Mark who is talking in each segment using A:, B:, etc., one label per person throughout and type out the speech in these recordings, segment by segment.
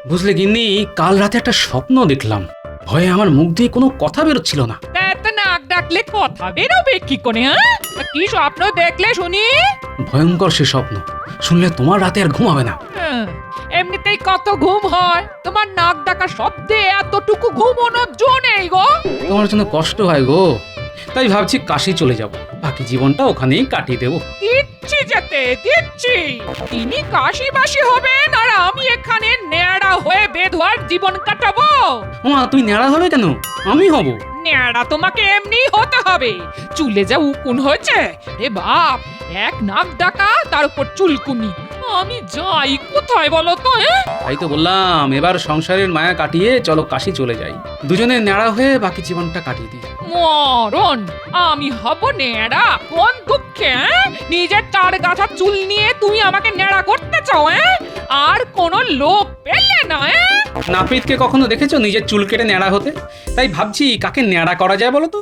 A: বুঝলে গিন্নি, কাল রাতে একটা স্বপ্ন দেখলাম। ভয়ে আমার মুখ দিয়ে কোনো কথা বেরোচ্ছিল না।
B: তা নাক ডাকলে কথা বেরোবে কি করে? হ্যাঁ, কি স্বপ্ন দেখলে শুনি?
A: ভয়ঙ্কর সে স্বপ্ন, শুনলে তোমার রাতে আর ঘুম হবে না।
B: এমনিতেই কত ঘুম হয়, তোমার নাক ডাকা শব্দে এতটুকু ঘুমোনোর জো নেই গো।
A: তোমার জন্য কষ্ট হয় গো, তাই ভাবছি কাশি চলে যাব, বাকি জীবনটা ওখানেই কাটিয়ে দেবো।
B: দিচ্ছি যেতে দিচ্ছি, তিনি কাশি বাসি হবেন আর আমি এখানে ন্যাড়া হয়ে বেধোয়ার জীবন কাটাবো।
A: ওমা, তুমি ন্যাড়া হবে কেন? আমি হব।
B: ন্যাড়া তোমাকে এমনি হতে হবে, চুলে যা উকুন হয়েছে রে বাপ, এক নাক ডাকা তার উপর চুলকুনি। আমি যাই কোথায় বলো তো?
A: তাই তো বললাম, এবার সংসারের মায়া কাটিয়ে চলো কাশি চলে যাই, দুজনে ন্যাড়া হয়ে বাকি জীবনটা কাটিয়ে দিই।
B: মরণ, আমি হব ন্যাড়া? কোন দুঃখে? নিজের তার গাছা চুল নিয়ে তুমি আমাকে ন্যাড়া করতে চাও? আর কোন লোক পেলে না?
A: নাপিতকে কখনো দেখেছো নিজের চুল কেটে ন্যাড়া হতে? তাই ভাবছি কাকে ন্যাড়া করা যায় বলো তো।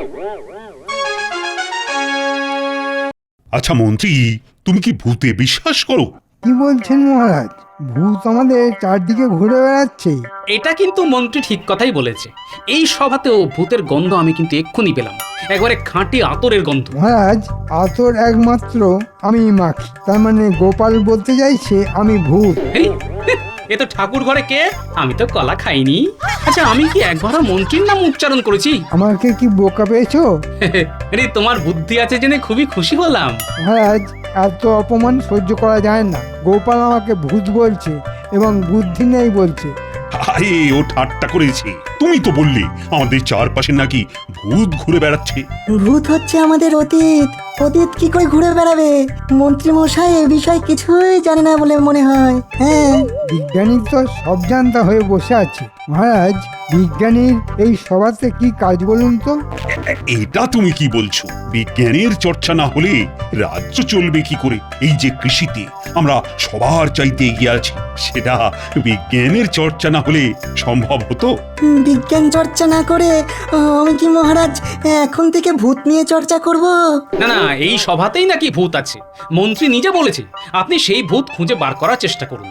C: আচ্ছা মন্ত্রী, তুমি কি ভূতে বিশ্বাস করো?
D: কি বলছেন মহারাজ? ভূত আমাদের চারদিকে ঘুরে বেড়াচ্ছে।
A: এটা কিন্তু মন্ত্রী ঠিক কথাই বলেছে। এই সভাতেও ভূতের গন্ধ আমি কিন্তু এক্ষুনি পেলাম, একবারে খাঁটি আতরের গন্ধ।
D: মহারাজ, আতর একমাত্র আমি মাখি, তার মানে গোপাল বলতে চাইছে আমি ভূত।
A: এই, এ তো ঠাকুর ঘরে কে? আমি তো কলা খাইনি। আচ্ছা, আমি কি একবারও মন্ত্রীর নাম উচ্চারণ করেছি?
D: আমাকে কি বোকা পেয়েছো?
A: আরে, তোমার বুদ্ধি আছে জেনে খুবই খুশি হলাম।
D: মহারাজ, এত অপমান সহ্য করা যায় না। গোপাল আমাকে ভূত বলছে এবং বুদ্ধি নেই বলছে।
C: আরে ও ঠাট্টা করেছে। তুমি তো বললে আমাদের চারপাশে নাকি ভূত ঘুরে বেড়াচ্ছে।
E: ভূত হচ্ছে আমাদের অতীত। অতীত কি করে ঘুরে বেড়াবে? মন্ত্রী মশাই এ বিষয়ে কিছুই জানে না বলে মনে হয়। হ্যাঁ,
D: বিজ্ঞানী তো সব জানতা হয়ে বসে আছে। মহারাজ, বিজ্ঞানীর এই সভাতে কি কাজ বলুন তো?
C: এটা তুমি কি বলছো? বিজ্ঞানের চর্চা না হলে রাজ্য চলবে কি করে? এই যে কৃষিতে আমরা সবার চাইতে এগিয়ে আছি, সেটা বিজ্ঞানের চর্চা না হলে সম্ভব হতো?
E: বিজ্ঞান চর্চা না করে আমি কি মহারাজ এখন থেকে ভূত নিয়ে চর্চা করব?
A: না না, এই সভাতেই নাকি ভূত আছে, মন্ত্রী নিজে বলেছে। আপনি সেই ভূত খুঁজে বার করার চেষ্টা করুন।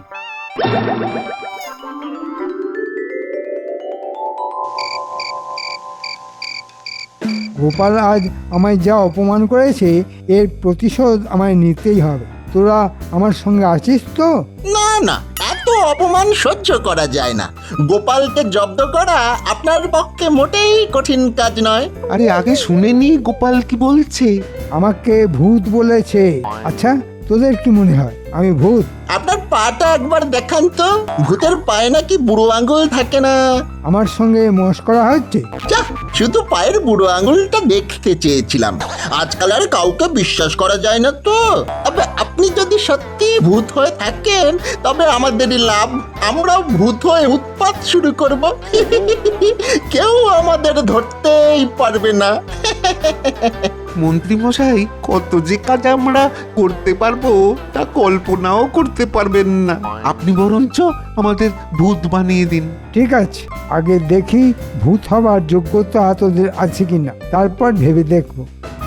D: গোপাল আজ আমায় যা অপমান করেছে, এর প্রতিশোধ আমায় নিতেই হবে। তোরা আমার সঙ্গে আছিস তো?
F: না না, এত অপমান সহ্য করা যায় না। গোপালকে জব্দ করা আপনার পক্ষে মোটেই কঠিন কাজ নয়।
G: আরে আগে শুনেনি গোপাল কি বলছে।
D: আমাকে ভূত বলেছে। আচ্ছা, তোদের কি মনে হয় আমি ভূত?
F: আপনার পাটা একবার দেখান তো, ভূতের পায়ে নাকি বুড়ো আঙুল থাকে না?
D: আমার সঙ্গে মস্করা হচ্ছে?
F: যা, শুধু পায়ের বুড়ো আঙুলটা দেখতে চেয়েছিলাম। আজকাল আর কাউকে বিশ্বাস করা যায় না তো। তবে আপনি যদি সত্যি ভূত হয়ে থাকেন তবে আমাদেরই লাভ। আমরাও ভূত হয়ে উৎপাত শুরু করব। কেউ আমাদের ধরতেই পারবে না।
G: মন্ত্রী মশাই, কত যে কাজ আমরা করতে পারবো তা কল্পনাও করতে পারবেন না। আপনি বরঞ্চ আমাদের ভূত বানিয়ে দিন।
D: ঠিক আছে, আগে দেখি ভূত হবার যোগ্যতা তোদের আছে কিনা, তারপর ভেবে দেখবো।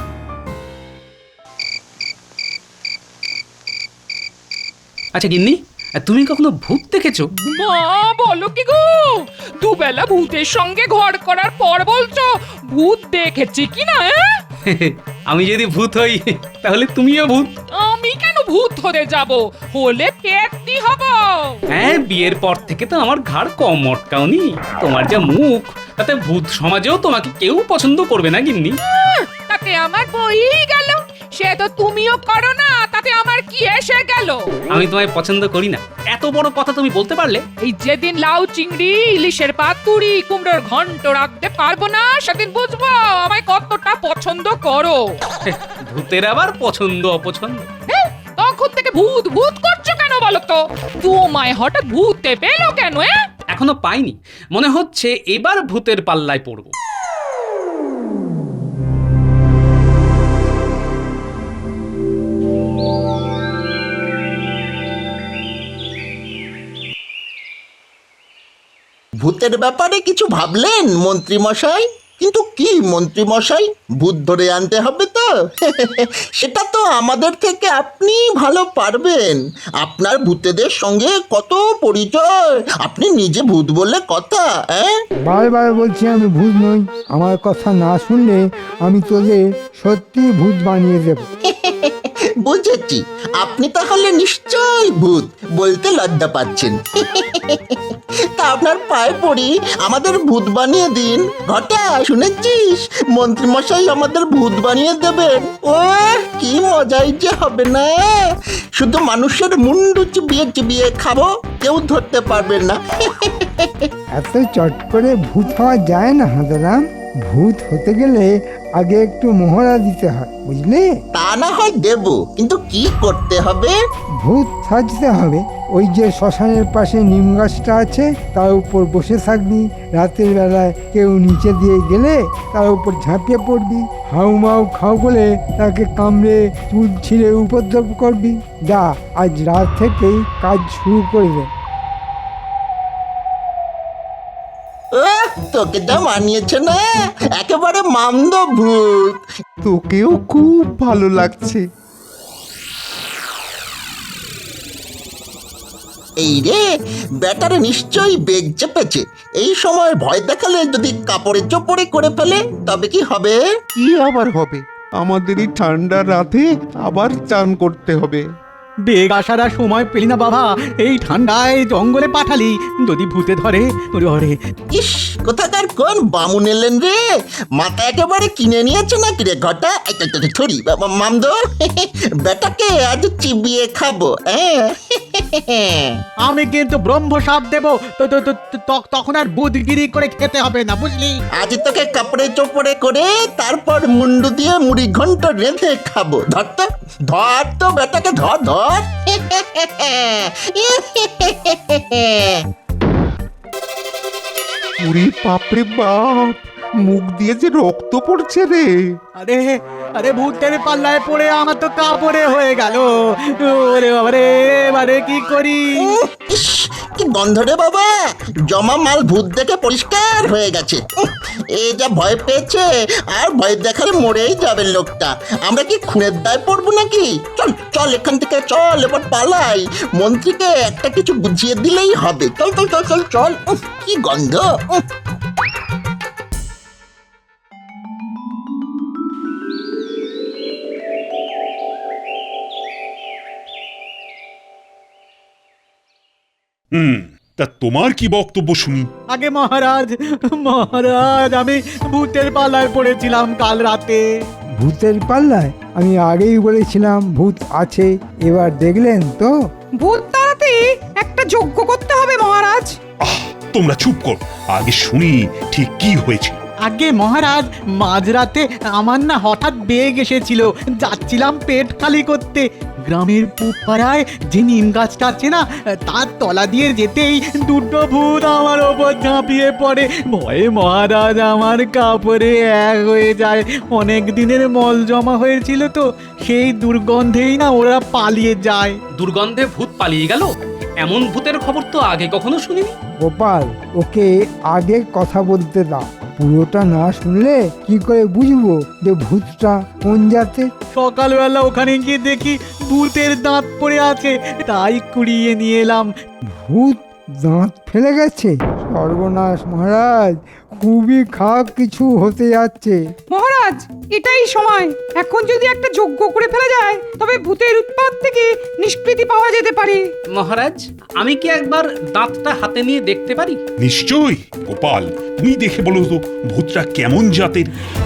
A: আচ্ছা গিন্নি, তুমি কখনো ভূত দেখেছো?
B: মা, বলো কি গো? দুবেলা ভূতের সঙ্গে ঘর করার পর বলছো ভূত দেখেছি কিনা?
A: আমি যদি ভূত হই তাহলে তুমিও ভূত।
B: আমি কেন ভূত হতে যাব? হলে পেটনি হব।
A: হ্যাঁ, বিয়ের পর থেকে তো আমার ঘাড় কম মটকাওনি। তোমার যা মুখ, তাতে ভূত সমাজেও তোমাকে কেউ পছন্দ করবে না গিন্নি।
B: তাতে আমার বই গেল, সে তো তুমিও করো না, তাতে আমার কি এসে গেল?
A: আমি তোমায় পছন্দ করি না, এত বড় কথা তুমি বলতে পারলে?
B: এই যেদিন লাউ চিংড়ি ইলিশের পাতুরি কুমড়োর ঘন্ট রাখতে পারবো না, সেদিন বুঝবো আমায় কতটা পছন্দ করো।
A: ভূতের আবার পছন্দ অপছন্দ?
B: তখন থেকে ভূত ভূত করছো কেন বলো তো? তোমায় হঠাৎ ভূতে পেলো কেন?
A: এখনো পাইনি, মনে হচ্ছে এবার ভূতের পাল্লায় পড়বো।
F: ভূতের ব্যাপারে কিছু ভাবলেন মন্ত্রী মশাই? কিন্তু কি মন্ত্রী মশাই, ভূত ধরে আনতে হবে তো? সেটা তো আমাদের থেকে আপনি ভালো পারবেন। আপনার ভূতেদের সঙ্গে কত পরিচয়, আপনি নিজে ভূত বললে কথা।
D: বারবার বলছি আমি ভূত নই। আমার কথা না শুনলে আমি তোদের সত্যি ভূত বানিয়ে দেব।
F: বুঝেছি, আপনি তাহলে নিশ্চয়ই ভূত, বলতে লজ্জা পাচ্ছেন। তা আপনার পায়ে পড়ি, আমাদের ভূত বানিয়ে দিন। ঘটা, শুনেছিস মন্ত্রী মশাই আমাদের ভূত বানিয়ে দেবেন? ও কি মজাই যে হবে না! শুধু মানুষের মুন্ডু চিবিয়ে চিবিয়ে খাবো, কেউ ধরতে পারবেন না।
D: এত চট করে ভূত হওয়া যায় না হাঁদারাম। ভূত হতে গেলে আগে একটু মহড়া দিতে হয়, বুঝলি?
F: তা না হয় দেব, কিন্তু কি করতে হবে?
D: ভূত সাজতে হবে। ওই যে শ্মশানের পাশে নিম গাছটা আছে, তার উপর বসে থাকবি। রাতের বেলায় কেউ নিচে দিয়ে গেলে তার উপর ঝাঁপিয়ে পড়বি। হাউ মাউ খাও বলে তাকে কামড়ে চুল ছিঁড়ে উপদ্রব করবি। যা, আজ রাত থেকেই কাজ শুরু করে দে।
F: তোকে যা মানিয়েছে না, একেবারে মামদ ভূত।
G: তোকেও খুব ভালো লাগছে।
F: এই রে, ব্যাটারে নিশ্চয়ই বেগ চেপেছে। এই সময় ভয় দেখালে যদি কাপড়ে চোপড়ে করে ফেলে, তবে কি হবে?
G: কি আবার হবে? আমাদের এই ঠান্ডা রাতে আবার চান করতে হবে।
H: বেগ আসার আর সময় পেলি না বাবা, এই ঠান্ডায় জঙ্গলে পাঠালি, যদি ভূতে ধরে ওরে।
F: ইস, কোথাকার কোন বামুন এলেন রে? মাথা একেবারে কিনে নিয়েছে নাকি রে ঘটা? থরি মামদ, বেটাকে আজ চিবিয়ে খাবো।
H: আমি কিন্তু ব্রহ্ম সাপ দেবো, তখন আর বুধগিরি করে খেতে হবে না, বুঝলি?
F: আজ তোকে কাপড়ে চোপড়ে করে তারপর মুন্ডু দিয়ে মুড়ি ঘন্ট রেঁধে খাবো। ধর তো বেটাকে, ধর ধর।
G: ওরে বাপরে বাপ, মুখ দিয়ে যে রক্ত পড়ছে রে।
H: আরে আরে ভূতের পাল্লায় পড়ে আমার তো কাপড়ে হয়ে গেল। ওরে বাবারে, এবারে কি করি?
F: ইস, কি গন্ধ রে বাবা! জমা মাল ভূত দেখে পরিষ্কার হয়ে গেছে। এ যা ভয় পেয়েছে, আর ভয় দেখালে মরেই যাবে লোকটা। আমরা কি খুনের দায় পড়বো নাকি? চল চল, এখান থেকে চল, এবার পালাই। মন্ত্রীকে একটা কিছু বুঝিয়ে দিলেই হবে। চল চল চল চল চল। কি গন্ধ!
C: তা তোমার কি বক্তব্য শুনি?
H: আগে মহারাজ, মহারাজ, আমি ভূতের পাল্লায় পড়েছিলাম কাল রাতে।
D: ভূতের পাল্লায়? আমি আগেই বলেছিলাম ভূত আছে, এবার দেখলেন তো?
B: ভূত তাড়াতে একটা যজ্ঞ করতে হবে মহারাজ।
C: তোমরা চুপ করো, আগে শুনি ঠিক কি হয়েছে।
H: আগে মহারাজ, মাঝরাতে আমার না হঠাৎ বেগ এসেছিল, যাচ্ছিলাম পেট খালি করতে। গ্রামের পুপাড়ায় যে নিম গাছটা আছে না, তার তলা দিয়ে যেতেই দুটো ভূত আমার ওপর ঝাঁপিয়ে পড়ে। ভয়ে মহারাজ আমার কাপড়ে এক হয়ে যায়। অনেক দিনের মল জমা হয়েছিল তো, সেই দুর্গন্ধেই না ওরা পালিয়ে যায়।
A: দুর্গন্ধে ভূত পালিয়ে গেল? এমন ভূতের খবর তো আগে কখনো শুনিনি।
D: গোপাল, ওকে আগে কথা বলতে দাও। পুরোটা না শুনলে কি করে বুঝবো যে ভূতটা কোন জাতের?
H: সকালবেলা ওখানে গিয়ে দেখি ভূতের দাঁত পড়ে আছে, তাই কুড়িয়ে নিয়ে এলাম।
D: ভূত দাঁত ফেলে গেছে? সর্বনাশ মহারাজ, খুবই খারাপ কিছু হতে যাচ্ছে।
B: মহারাজ, এটাই সময়। এখন যদি একটা যজ্ঞ করে ফেলা যায়, তবে ভূতের উৎপাত থেকে নিষ্কৃতি পাওয়া যেতে পারে।
A: মহারাজ, আমি কি একবার দাঁতটা হাতে নিয়ে দেখতে পারি?
C: নিশ্চয়ই। গোপাল, তুমি দেখে বলো তো ভূতটা কেমন জাতের।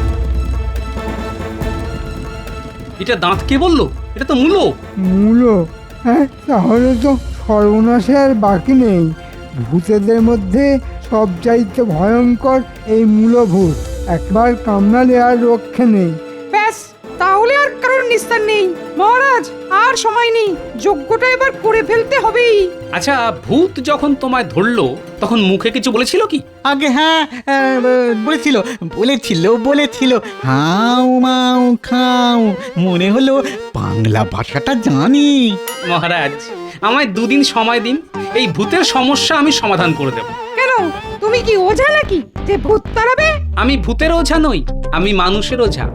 A: এটা দাঁত কে বললো? এটা তো মূলো।
D: মূলো? হ্যাঁ, তাহলে তো সর্বনাশে আর বাকি নেই। ভূতেদের মধ্যে সবচাইতে ভয়ঙ্কর এই মূলভূত। একবার কামড়ালে আর রক্ষে নেই।
B: ব্যাস, তাহলে আর কারোর নিস্তার নেই। মহারাজ, আর সময় নেই, যজ্ঞটা এবার করে ফেলতে হবেই।
A: আচ্ছা, ভূত যখন তোমায় ধরলো তখন মুখে কিছু বলেছিল কি?
H: আগে হ্যাঁ, বলেছিল বলেছিল বলেছিল হাউ মাউ খাও। মনে হলো বাংলা ভাষাটা জানি।
A: মহারাজ, আমায় 2 দিন সময় দিন, এই ভূতের সমস্যা আমি সমাধান করে দেব।
B: কেন,
I: তুমি কি ওঝা নাকি যে ভূত তাড়াবে?
A: আমি ভূতের ওঝা নই, আমি মানুষের ওঝা।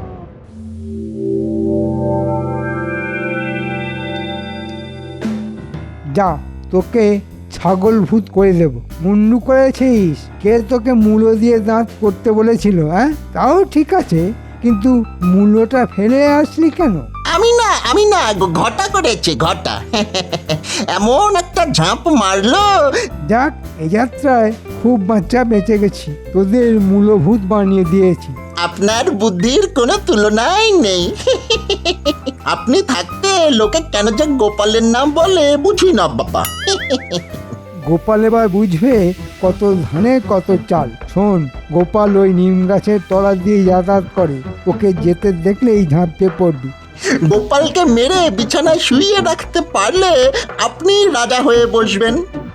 D: যা, তোকে ছাগল ভূত করে দেব। মুন্ডু করেছিস? কে তোকে মূলো দিয়ে দাঁত করতে বলেছিল? হ্যাঁ, তাও ঠিক আছে, কিন্তু মূলোটা ফেলে আসলি কেন?
F: আমি না ঘটা করেছে ঘটা। এমন একটা ঝাঁপ মারলো।
D: যাক, এই যাত্রায় খুব বাচ্চা বেঁচে গেছি, তোদের মূলভূত বানিয়ে দিয়েছি।
F: আপনার বুদ্ধির কোনো তুলনাই নেই। আপনি থাকতে লোকে কেন যে গোপালের নাম বলে বুঝি না বাবা।
D: গোপাল এবার বুঝবে কত ধানে কত চাল। শোন, গোপাল ওই নিম গাছের তলা দিয়ে যাতায়াত করে, ওকে যেতে দেখলেই ঝাঁপিয়ে পড়বি।
F: গোপালকে মেরে বিছানায় শুইয়ে রাখতে পারলে আপনি রাজা হয়ে বসবেন।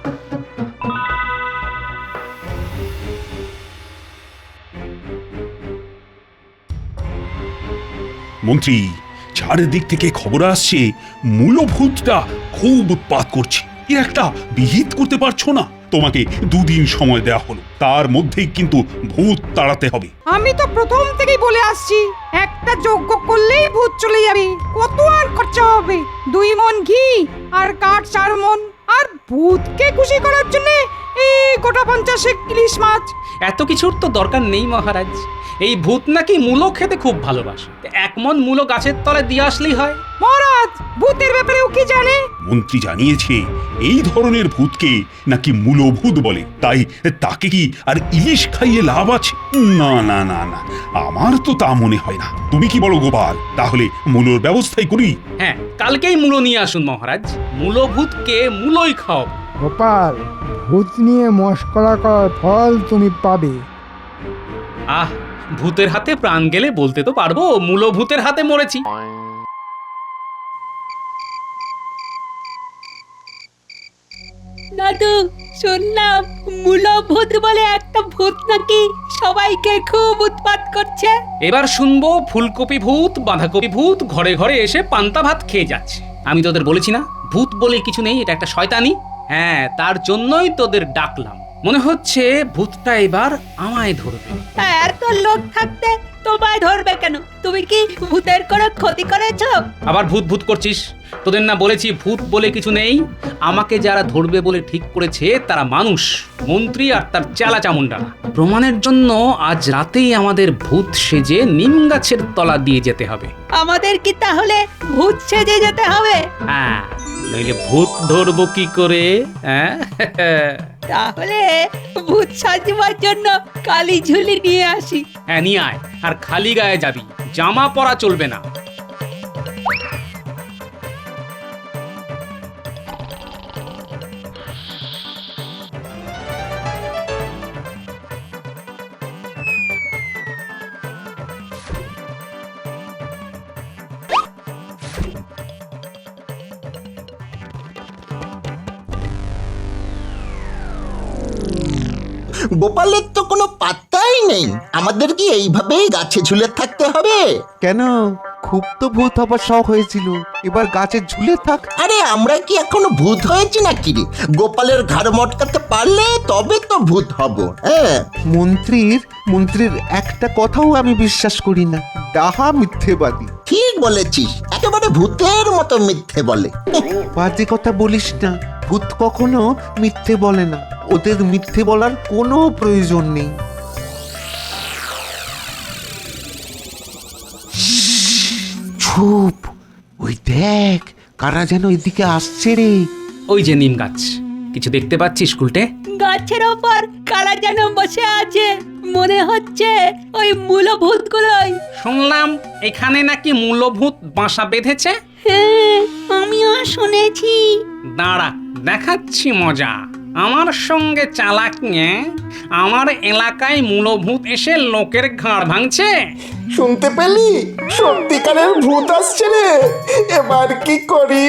C: মন্ত্রী, চারিদিক থেকে খবর আসছে মূলভূতটা খুব উৎপাত করছে। এর একটা বিহিত করতে পারছো না? তোমাকে 2 দিন সময় দেওয়া হলো, তার মধ্যেই কিন্তু ভূত তাড়াতে হবে।
I: আমি তো প্রথম থেকেই বলে আসছি, একটা যজ্ঞ করলেই ভূত চলে যাবে। কত আর খরচা হবে? 2 মণ ঘি আর কাঠ 4 মণ। আর ভূতকে খুশি করার জন্য এই গোটা 50 ইলিশ মাছ।
A: এত কিছুর তো দরকার নেই মহারাজ। এই ভূত নাকি মূলো খেতে খুব ভালোবাসে, 1 মণ মূলো গাছের তলায় দিয়ে আসলেই হয়।
I: মহারাজ, ভূতের ব্যাপারেও কি জানে?
C: মন্ত্রী জানিয়েছে এই ধরনের ভূতকে নাকি মূলভূত বলে, তাই তাকে কি আর ইলিশ খাইয়ে লাভ আছে? না না না না, আমার তো তা মনে হয় না। তুমি কি বলো গোপাল? তাহলে মূলোর ব্যবস্থাই করি।
A: হ্যাঁ, কালকেই মূলো নিয়ে আসুন মহারাজ। মূলভূতকে মূলোই খাও।
D: গোপাল, ভূত নিয়ে মস্করা করার ফল তুমি পাবে।
A: আহ, ভূতের হাতে প্রাণ গেলে বলতে তো পারবো মূলভূতের হাতে মরেছি।
J: দাদু, শুনলাম মূলভূত বলে একটা ভূত নাকি সবাইকে খুব উৎপাত করছে।
A: এবার শুনবো ফুলকপি ভূত, বাঁধাকপি ভূত ঘরে ঘরে এসে পান্তা ভাত খেয়ে যাচ্ছে। আমি তোদের বলেছি না, ভূত বলে কিছু নেই, এটা একটা শয়তানি। হ্যাঁ, তার জন্যই তোদের ডাকলাম। মনে হচ্ছে ভূতটা এবার আমায় ধরবে।
J: এত লোক থাকতে তোমায় ধরবে কেন? তুমি কি ভূতের কোনো ক্ষতি করেছো?
A: আবার ভূত ভূত করছিস? তোদের না বলেছি ভূত বলে কিছু নেই? আমাকে যারা ধরবে বলে ঠিক করেছে তারা মানুষ, মন্ত্রী আর তার চেলা চামুন্ডারা। প্রমাণের জন্য আজ রাতেই আমাদের ভূত সেজে নিম গাছের তলা দিয়ে যেতে হবে।
J: আমাদের কি তাহলে ভূত সেজে যেতে হবে?
A: হ্যাঁ, নইলে ভূত ধরবো কি করে? হ্যাঁ,
J: তাহলে ভূত সাজবার জন্য কালি ঝুলি নিয়ে আসি।
A: হ্যাঁ নিয়ে আয়, আর খালি গায়ে যাবি, জামা পরা চলবে না।
F: গোপালের তো কোনো পাত্তাই নেই। আমাদের কি এইভাবেই গাছে ঝুলে থাকতে হবে?
G: কেন? খুব তো ভূত হবার শখ হয়েছিল, এবার গাছে ঝুলে থাক।
F: আরে আমরা কি এখনো ভূত হয়েছি নাকি রে? গোপালের ঘাড় মটকাতে পারলে তবে তো ভূত হব। হ্যাঁ,
G: মন্ত্রীর একটা কথাও আমি বিশ্বাস করি না, ডাহা মিথ্যেবাদী।
F: ঠিক বলেছিস, একেবারে ভূতের মতো মিথ্যে বলে।
G: বাজে কথা বলিস না, ভূত কখনো মিথ্যে বলে না, ওদের মিথ্যে বলার কোনো প্রয়োজন নেই। চুপ, ওই দেখ কারা যেন এদিকে আসছে রে।
A: ওই যে নিম গাছ, কিছু দেখতে পাচ্ছিস উল্টে?
J: গাছের ওপর কারা যেন বসে আছে, মনে হচ্ছে ওই মূলভূতগুলোই।
A: শুনলাম এখানে নাকি মূলভূত বাসা বেঁধেছে।
J: হ্যাঁ, আমিও শুনেছি।
A: দাঁড়া, দেখাচ্ছি মজা। আমার সঙ্গে চালাক নিয়ে আমার এলাকায় মূলভূত এসে লোকের ঘাড় ভাঙছে।
F: শুনতে পেলি? সত্যিকারের ভূত আসছে রে। এবার কি করি?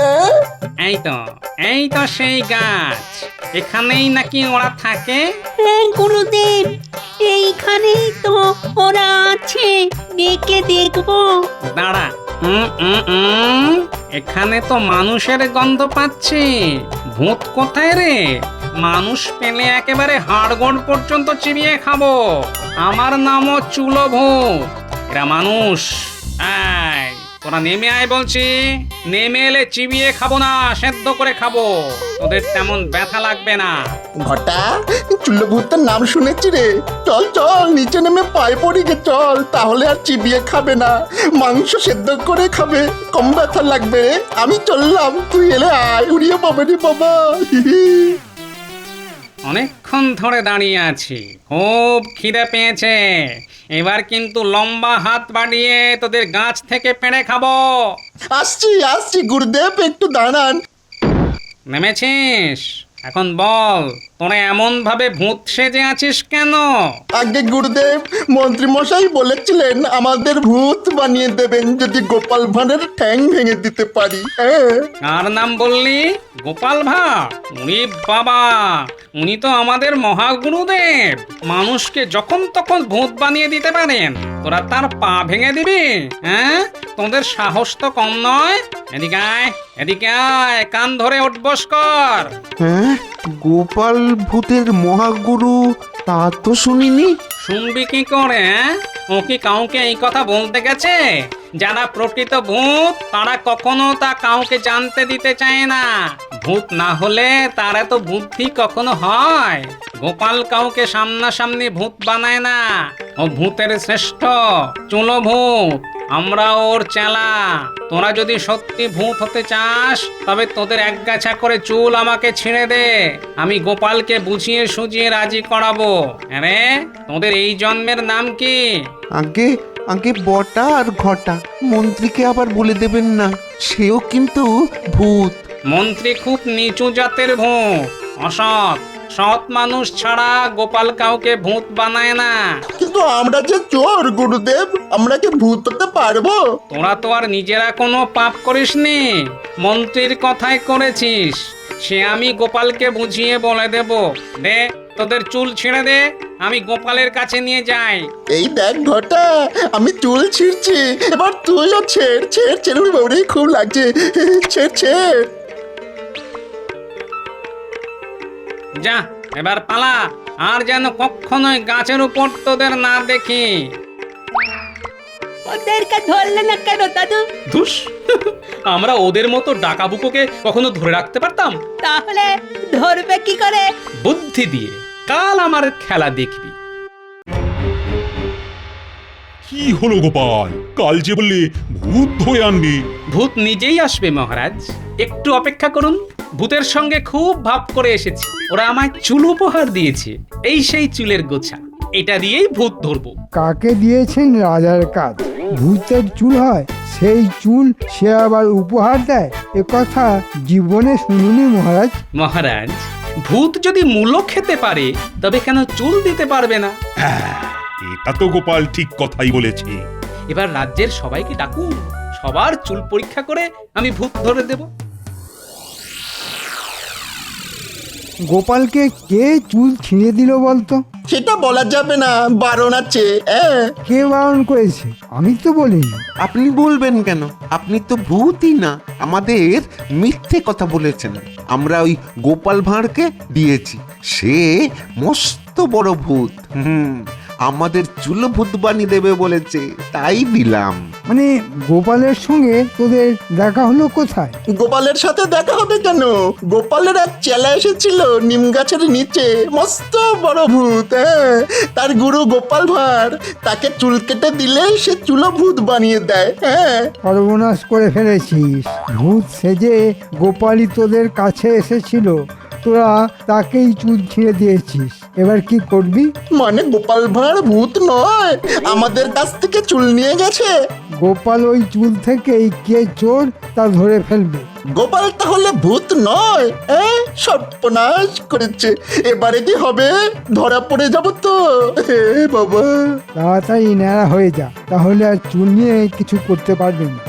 A: এই তো সেই গাছ। এখানেই নাকি ওরা থাকে।
J: হ্যাঁ গুরুদেব, এইখানেই তো ওরা আছে, ডেকে দেখবো।
A: দাঁড়া, এখানে তো মানুষের গন্ধ পাচ্ছি। ভূত কোথায় রে? মানুষ পেলে একেবারে হাড়গোড় পর্যন্ত চিবিয়ে খাবো। আমার নামও চুলোভূত। এরা মানুষ। এই, তোরা নেমে আয় বলছি। নেমে এলে চিবিয়ে খাবো না, সেদ্ধ করে খাবো। তোদের তেমন ব্যথা লাগবে না।
F: ঘটা, চুল্লভূতের নাম শুনেছি রে। চল চল, নিচে নেমে পায়ে পড়ি গে, চল। তাহলে আর চিবিয়ে খাবে না, মাংস সেদ্ধ করে খাবে, কম ব্যথা লাগবে রে। আমি চললাম, তুই এলে আয়। উড়িয়ে পাবে রে বাবা।
A: অনেকক্ষণ ধরে দাঁড়িয়ে আছি, খুব খিদে পেয়েছে। এবার কিন্তু লম্বা হাত বাড়িয়ে তোদের গাছ থেকে পেড়ে খাবো।
F: আসছি আসছি গুরুদেব, একটু দাঁড়ান।
A: নেমেছিস? এখন বল, তোরা এমন ভাবে ভূত সেজে আছিস কেন?
F: আগে গুরুদেব, মন্ত্রী মশাই বলেছিলেন আমাদের ভূত বানিয়ে দেবেন যদি গোপাল ভাঁড়ের ঠ্যাং ভেঙে দিতে পারি। হ্যাঁ,
A: কার নাম বললি? গোপাল ভাঁড়? উনি বাবা, উনি তো আমাদের মহাগুরুদেব। মানুষকে যখন তখন ভূত বানিয়ে দিতে পারেন। তোরা তার পা ভেঙে দিবি? হ্যাঁ, তোদের সাহস তো কম নয়। এদিকে আয়, এদিকে আয়, কান ধরে উঠবস কর।
G: হ্যাঁ, গোপাল ভূতের মহাগুরু তা তো শুনিনি।
A: শুনবি কি করে? ও কি কাউকে এই কথা বলতে গেছে? যারা প্রকৃত ভূত তারা কখনো তা কাউকে জানতে দিতে চায় না। ভূত না হলে তার এত বুদ্ধি কখনো হয়? গোপাল কাউকে সামনাসামনি ভূত বানায় না। ও ভূতের শ্রেষ্ঠ, চুলো ভূত। আমরা ওর চেলা। তোরা যদি সত্যি ভূত হতে চাস তবে তোদের একগাছা করে চুল আমাকে ছিঁড়ে দে। আমি গোপালকে বুঝিয়ে সুঝিয়ে রাজি করাবো। আরে, তোদের এই জন্মের নাম কি?
G: আগে আগে বটা আর ঘটা, মন্ত্রীকে আবার বলে দেবেন না, সেও কিন্তু ভূত।
A: মন্ত্রী খুব নিচু জাতের ভূত, অসৎ। সৎ মানুষ ছাড়া গোপাল কাউকে ভূত বানায় না।
F: কিন্তু আমরা যে চোর গুরুদেব, আমরা কি ভূত হতে পারবো?
A: তোরা তো আর নিজেরা কোনো পাপ করিসনি, মন্ত্রীর কথাই করেছিস। সে আমি গোপালকে বুঝিয়ে বলে দেব। দে, তোদের চুল ছিঁড়ে দে, আমি গোপালের কাছে নিয়ে যাই।
F: এই দেখ ঘটা, আমি চুল ছিঁড়ছি, এবার তুইও ছেড় ছেড় ছেড়ে। বাবরে, খুব লাগছে, ছেড় ছেড়।
A: যা, এবার পালা। আর যেন কখনোই গাছের উপর তোদের না দেখি।
J: ওদেরকে ধরলে না কেন দাদু?
A: ধুস, আমরা ওদের মতো ডাকাবুকোকে কখনো ধরে রাখতে পারতাম?
J: তাহলে ধরবে কি করে?
A: বুদ্ধি দিয়ে। কাল আমার খেলা দেখবি।
C: কি হলো গোপাল, কাল যে বললে ভূত ধরে আনবি?
A: ভূত নিজেই আসবে মহারাজ, একটু অপেক্ষা করুন। ভূতের সঙ্গে খুব ভাব করে এসেছি। ওরা আমায় চুল উপহার দিয়েছে। এই সেই চুলের গোছা, এটা দিয়েই ভূত ধরবো।
D: কাকে দিয়েছেন রাজার কাজ? ভূতের চুল হয়, সেই চুল সে আবার উপহার দেয়? এ কথা জীবনে শুনিনি মহারাজ।
A: মহারাজ, ভূত যদি মূলো খেতে পারে তবে কেন চুল দিতে পারবে না?
C: হ্যাঁ, এটা তো গোপাল ঠিক কথাই বলেছে।
A: এবার রাজ্যের সবাইকে ডাকুন, সবার চুল পরীক্ষা করে আমি ভূত ধরে দেব।
D: গোপালকে কে চুল ছিঁড়ে দিল বলতো?
F: সেটা বলা যাবে না, বারণ আছে।
D: কে বারণ করেছে? আমি তো বলিনি।
G: আপনি বলবেন কেন? আপনি তো ভূতই না, আমাদের মিথ্যে কথা বলেছেন। আমরা ওই গোপাল ভাঁড়কে দিয়েছি, সে মস্ত বড় ভূত। আমাদের চুল ভূত বানিয়ে দেবে বলেছে, তাই দিলাম।
D: মানে গোপালের সঙ্গে তোদের দেখা হলো কোথায়?
F: গোপালের সাথে দেখা হবে কেন? গোপালের এক চেলা এসেছিল নিম গাছের নিচে, মস্ত বড় ভূত। হ্যাঁ, তার গুরু গোপাল ভাঁড়, তাকে চুল কেটে দিলে সে চুলো ভূত বানিয়ে দেয়। হ্যাঁ,
D: সর্বনাশ করে ফেলেছিস। ভূত সেজে গোপালই তোদের কাছে এসেছিল, তোরা তাকেই চুল ছিঁড়ে দিয়েছিস। এবার কি করবি?
F: মানে গোপাল ভাঁড় ভূত নয়, আমাদের কাছ থেকে চুল নিয়ে গেছে।
D: গোপাল ওই চুল থেকেই কে চোর তা ধরে ফেলবে।
F: গোপাল তাহলে ভূত নয়? সর্বনাশ করেছে। এবারে কি হবে? ধরা পড়ে যাব তো। হে বাবা,
D: তাড়াতাড়ি ন্যাড়া হয়ে যা, তাহলে আর চুল নিয়ে কিছু করতে পারবে না।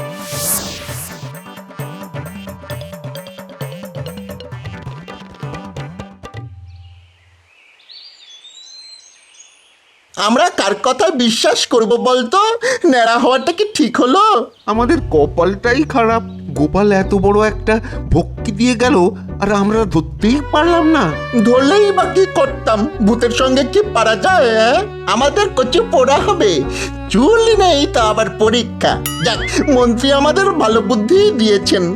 F: আমরা কার কথা বিশ্বাস করব বলতো? ন্যাড়া হওয়াটা কি ঠিক হলো?
G: আমাদের কপালটাই খারাপ, গোপাল এত বড় একটা ভক্তি দিয়ে গেল আর আমরা ধরতেই পারলাম না।
F: ধরলেই বা কি করতাম? ভূতের সঙ্গে কি পারা যায়? আমাদের কচু পোড়া হবে, চুল নেই তো আবার পরীক্ষা। যাক, মন্ত্রী আমাদের ভালো বুদ্ধি দিয়েছেন।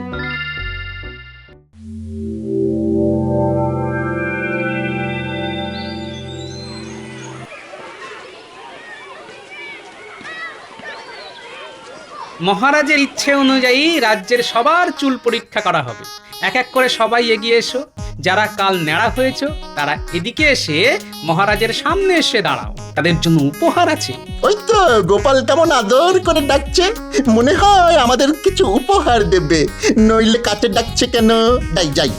A: মহারাজের ইচ্ছে অনুযায়ী রাজ্যের সবার চুল পরীক্ষা করা হবে। এক এক করে সবাই এগিয়ে এসো। যারা কাল ন্যাড়া হয়েছ তারা এদিকে এসে মহারাজের সামনে এসে দাঁড়াও, তাদের জন্য উপহার আছে।
F: ওই তো গোপাল কেমন আদর করে ডাকছে, মনে হয় আমাদের কিছু উপহার দেবে, নইলে কাছে ডাকছে কেন? যাই যাই।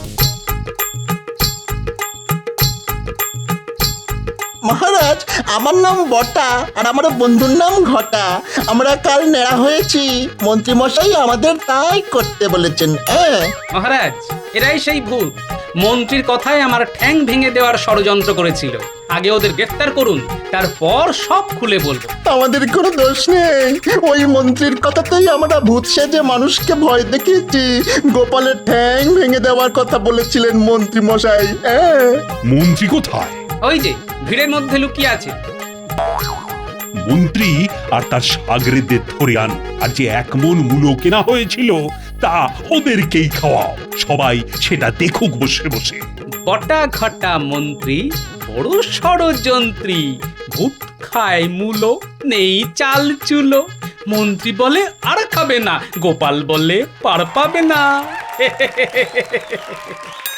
F: মহারাজ, আমার নাম বটা আর আমার বন্ধুর নাম ঘটা। আমরা কাল নেড়া হয়েছি, মন্ত্রী মশাই আমাদের তাই করতে বলেছেন।
A: মহারাজ, এরাই সেই ভূত। মন্ত্রীর কথায় আমার ঠ্যাং ভেঙে দেওয়ার ষড়যন্ত্র করেছিল। আগে ওদের গ্রেফতার করুন, তারপর সব খুলে বলবো।
F: আমাদের কোনো দোষ নেই, ওই মন্ত্রীর কথাতেই আমরা ভূত সেজে মানুষকে ভয় দেখিয়েছি। গোপালের ঠ্যাং ভেঙে দেওয়ার কথা বলেছিলেন মন্ত্রী মশাই।
C: মন্ত্রী কোথায়?
A: ওই যে ভিড়ের মধ্যে লুকিয়ে আছে।
C: মন্ত্রী আর তার সাগরেদের ধরে আন, আর যে 1 মণ মূলো কেনা হয়েছিল তা ওদেরকেই খাওয়াও। সবাই সেটা দেখুক বসে বসে।
A: বটা ঘটা মন্ত্রী বড় ষড়যন্ত্রী, ভূত খায় মূলো, নেই চাল চুলো। মন্ত্রী বলে আর খাবে না, গোপাল বলে পার পাবে না।